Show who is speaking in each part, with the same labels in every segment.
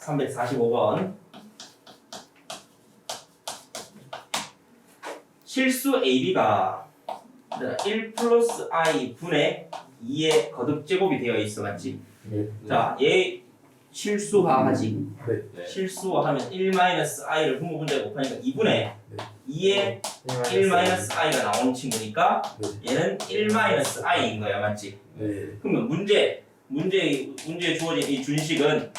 Speaker 1: 345번. 실수 AB가 1 플러스 I 분의 2의 거듭 제곱이 되어 있어, 맞지?
Speaker 2: 네.
Speaker 1: 자, 얘 실수화하지.
Speaker 2: 네.
Speaker 1: 실수화하면 1 마이너스 I를 분모 분자에 곱하니까 2분의
Speaker 2: 네.
Speaker 1: 2의 1 마이너스 I가 나오는 친구니까
Speaker 2: 네.
Speaker 1: 얘는 1 마이너스 I인 거야, 맞지?
Speaker 2: 네.
Speaker 1: 그러면 문제에 주어진 이 준식은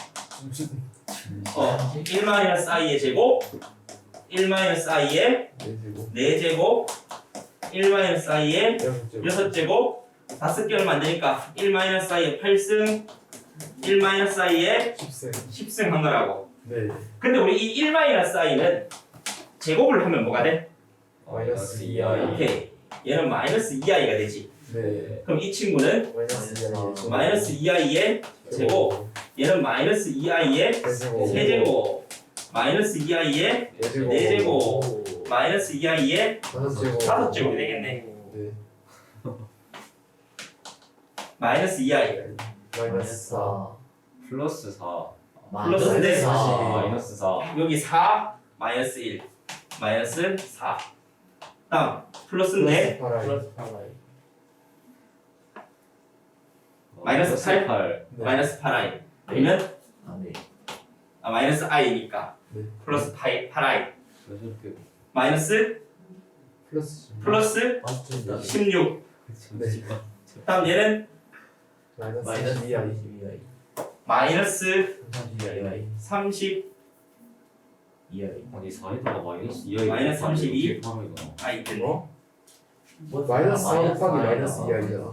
Speaker 1: 1 마이너스 I의 제곱, 1 마이너스 I의 4제곱, 1 마이너스 I의 6제곱, 5개 얼마 안 되니까 1 마이너스 I의 8승, 1 마이너스 I의 10승 한 거라고.
Speaker 2: 네.
Speaker 1: 근데 우리 이 1 마이너스 I는 제곱을 하면 뭐가 돼?
Speaker 2: 마이너스 2i.
Speaker 1: 오케이. 얘는 마이너스 2I가 되지.
Speaker 2: 네.
Speaker 1: 그럼 이 친구는 마이너스 2I의 제곱, 얘는 마이너스 2I의 세제곱, 마이너스 2I의 4제곱, 마이너스 2I의 5제곱이 되겠네.
Speaker 2: 네.
Speaker 1: 마이너스 2I.
Speaker 2: 마이너스 4.
Speaker 3: 플러스 4
Speaker 1: 플러스인데
Speaker 3: 마이너스 4
Speaker 1: 여기 4 마이너스 1 마이너스 4. 다음 플러스인데
Speaker 2: 플러스
Speaker 1: 마이너스
Speaker 3: 8
Speaker 1: 마이너스 8i. 그러면
Speaker 4: 네.
Speaker 1: 마이너스 i니까
Speaker 2: 네.
Speaker 1: 플러스 8i
Speaker 3: 이렇게
Speaker 1: 마이너스 플러스 16.
Speaker 2: 네.
Speaker 1: 다음 얘는
Speaker 2: 마이너스 2i.
Speaker 1: 마이너스
Speaker 4: 32i
Speaker 1: 30i
Speaker 3: 아니 4에다가 마이너스 2i
Speaker 1: 마이너스 32.
Speaker 3: 하면
Speaker 1: 있겠네.
Speaker 2: 어? 마이너스 4 곱하기 마이너스 2i잖아.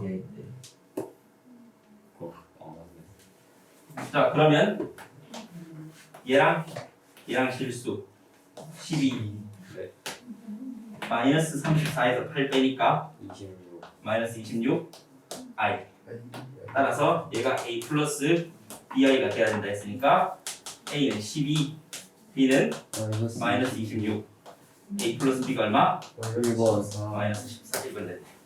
Speaker 3: 맞네.
Speaker 1: 자 그러면 얘랑 실수 12.
Speaker 3: 네.
Speaker 1: 마이너스 34에서 8 빼니까
Speaker 3: 26
Speaker 1: 마이너스 26 i. 따라서 얘가 a 플러스 bi가 돼야 된다 했으니까 a는 12, b는 마이너스 26. a 플러스 b가 얼마?
Speaker 2: 마이너스 4.
Speaker 1: 마이너스 14. 이건 됐네.